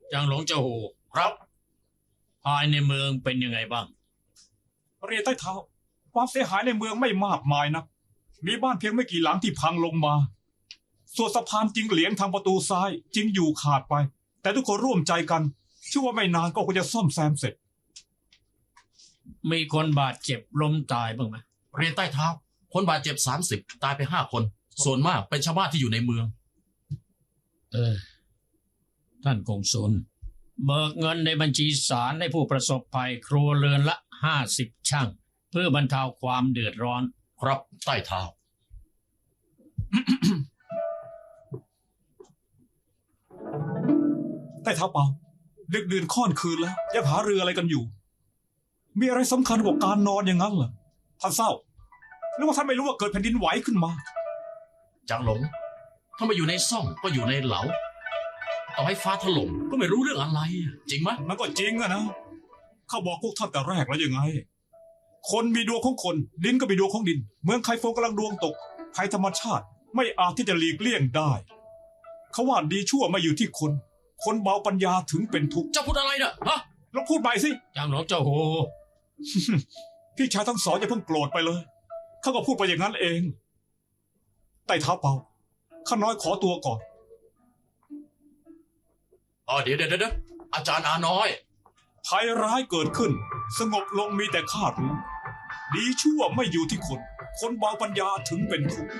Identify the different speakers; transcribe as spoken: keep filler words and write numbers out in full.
Speaker 1: จางหลงเจ้าหูครับภายในเมืองเป็นยังไงบ้าง
Speaker 2: เรียนใต้เท้าความเสียหายในเมืองไม่มากมายนะมีบ้านเพียงไม่กี่หลังที่พังลงมาส่วนสะพานจิงเหลียงทางประตูซ้ายจิงอยู่ขาดไปแต่ทุกคนร่วมใจกันเชื่อว่าไม่นานก็คงจะซ่อมแซมเสร็จ
Speaker 1: มีคนบาดเจ็บล้มตายบ้างไหม
Speaker 3: เรียนใต้เท้าคนบาดเจ็บสามสิบตายไปห้าคนส่วนมากเป็นชาวบ้านที่อยู่ในเมือง
Speaker 1: เออท่านกงสุลเบิกเงินในบัญชีศาลให้ผู้ประสบภัยครัวเรือนละห้าสิบช่างเพื่อบรรเทาความเดือดร้อน
Speaker 3: ครับใต้เท้า
Speaker 2: ใต้เท้าเปล่าดึกดื่นค่อนคืนแล้วยังหาเรืออะไรกันอยู่มีอะไรสำคัญกว่าการนอนอย่างนั้นเหรอท่านเศร้าหรือว่าท่านไม่รู้ว่าเกิดแผ่นดินไหวขึ้นมา
Speaker 3: จางหลงถ้ามาอยู่ในซ่องก็อยู่ในเหลาต่อให้ฟ้าถล่มก็ไม่รู้เรื่องอะไรจริงไหม
Speaker 2: มันก็จริงอะนะข้าบอกพวกท่านแต่แรกแล้วยังไงคนมีดวงของคนดินก็มีดวงของดินเมืองไคโฟกำลังดวงตกภัยธรรมชาติไม่อาจที่จะหลีกเลี่ยงได้เขาว่าดีชั่วไม่อยู่ที่คนคนเบาปัญญาถึงเป็นทุกข์
Speaker 3: เจ้าพูดอะไรเนี่ยฮะ
Speaker 2: ลองพูดใหม่สิ
Speaker 1: จางหลงเจ้าหู
Speaker 2: พี่ชายทั้งสองอย่าเพิ่งโกรธไปเลยข้าก็พูดไปอย่างนั้นเองใต้เท้าเปล่าข้าน้อยขอตัวก่อน
Speaker 3: อ๋อเดี๋ยวเดี๋ยวเดี๋ยวอาจารย์อาน้อย
Speaker 2: ภัยร้ายเกิดขึ้นสงบลงมีแต่ข้ารู้ดีชั่วไม่อยู่ที่คนคนเบาปัญญาถึงเป็นทุกข์